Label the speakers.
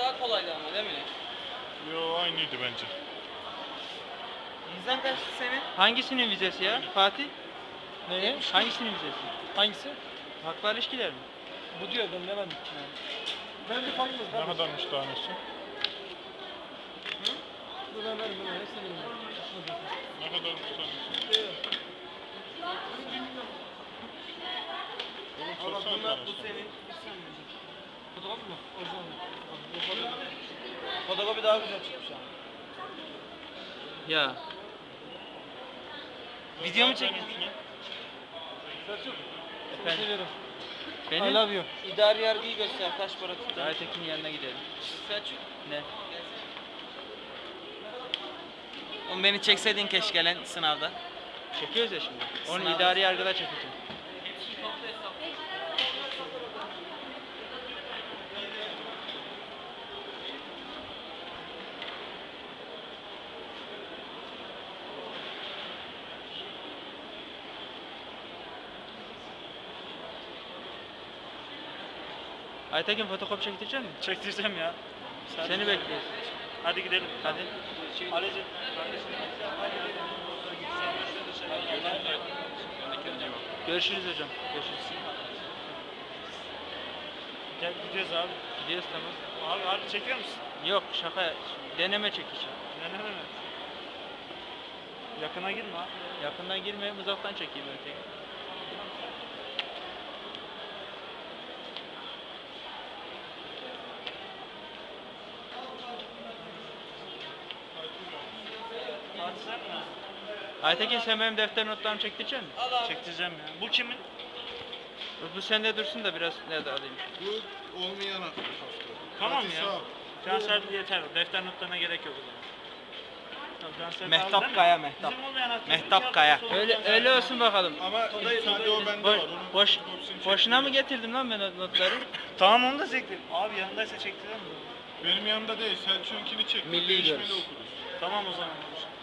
Speaker 1: daha kolaydı ama değil mi?
Speaker 2: Yo aynıydı bence.
Speaker 1: Vizen kaçtı senin?
Speaker 3: Hangisinin vizesi ya Fatih?
Speaker 4: Neye?
Speaker 3: Hangisinin vizesi?
Speaker 4: Hangisi?
Speaker 3: Haklar ilişkiler mi?
Speaker 4: Bu diyor ben demedim. Ben bir farklı.
Speaker 2: Ne kadarmış tanesi?
Speaker 4: Dur ben veririm ben hepsini bilmiyorum.
Speaker 2: Ne kadarmış tanesi? Oğlum
Speaker 1: Allah
Speaker 2: sorsana
Speaker 1: bunlar bu
Speaker 2: tanesini.
Speaker 1: senin.
Speaker 4: Fotoğraf mı? Orijinal mi? Bu
Speaker 1: Fotokopi daha güzel çıkmış ama.
Speaker 3: Ya. Video mu çekiyorsun?
Speaker 4: Selçuk. Seni
Speaker 3: Efendim?
Speaker 4: seviyorum. I
Speaker 3: Benim
Speaker 4: love you.
Speaker 1: İdari yargıyı göster. Kaç para tuttu?
Speaker 3: Aytekin'in yanına gidelim.
Speaker 1: Selçuk.
Speaker 3: Ne?
Speaker 1: Oğlum beni çekseydin keşke lan sınavda.
Speaker 3: Çekiyoruz ya şimdi. Onu
Speaker 1: Sınavda.
Speaker 3: idari yargıda çekeceğim. Aytekin fotokopi çektirecek misin?
Speaker 5: Çektireceğim ya.
Speaker 3: Seni bekliyoruz.
Speaker 5: Hadi gidelim.
Speaker 3: Hadi.
Speaker 5: Ali'cim.
Speaker 3: Görüşürüz hocam. Görüşürüz.
Speaker 5: Gel gidiyoruz abi.
Speaker 3: Gidiyoruz tamam.
Speaker 5: Abi harbi çekiyor musun?
Speaker 3: Yok şaka. Deneme çekeceğim.
Speaker 5: Deneme mi? Yakına girme abi.
Speaker 3: Yakından girmeyeyim, uzaktan çekeyim öteki.
Speaker 5: Fatih sen mi?
Speaker 3: Aytekin sen benim defter notlarımı çektirecek misin?
Speaker 5: Çektireceğim ya. Bu kimin?
Speaker 3: Bu sende dursun da biraz ne de alayım.
Speaker 2: Bu olmayan hafta.
Speaker 5: Tamam
Speaker 2: Hadi
Speaker 5: ya.
Speaker 2: sağ ol.
Speaker 5: Cansel yeter. Defter notlarına gerek yok o zaman. Tamam, Cansel
Speaker 1: Mehtap
Speaker 5: kaldı değil mi?
Speaker 1: Kaya, Mehtap.
Speaker 5: Bizim olmayan hakkında
Speaker 1: Mehtap
Speaker 5: iki
Speaker 1: Kaya.
Speaker 5: hafta sonra
Speaker 3: Öyle
Speaker 5: Cansel
Speaker 3: öyle
Speaker 5: kaldı.
Speaker 3: olsun bakalım.
Speaker 2: Ama ilk sadece o bende var. Onun
Speaker 3: Boş,
Speaker 2: fotokopisini
Speaker 3: boşuna mı
Speaker 2: çektireceğim.
Speaker 3: getirdim lan ben o notları?
Speaker 5: Tamam onu da çektim. Abi yanındaysa çektirelim mi?
Speaker 2: Benim yanımda değil. Selçuk'unkini çektim.
Speaker 1: Milli
Speaker 2: Değişmeli
Speaker 1: görüş.
Speaker 2: okuruz.
Speaker 5: Tamam o zaman.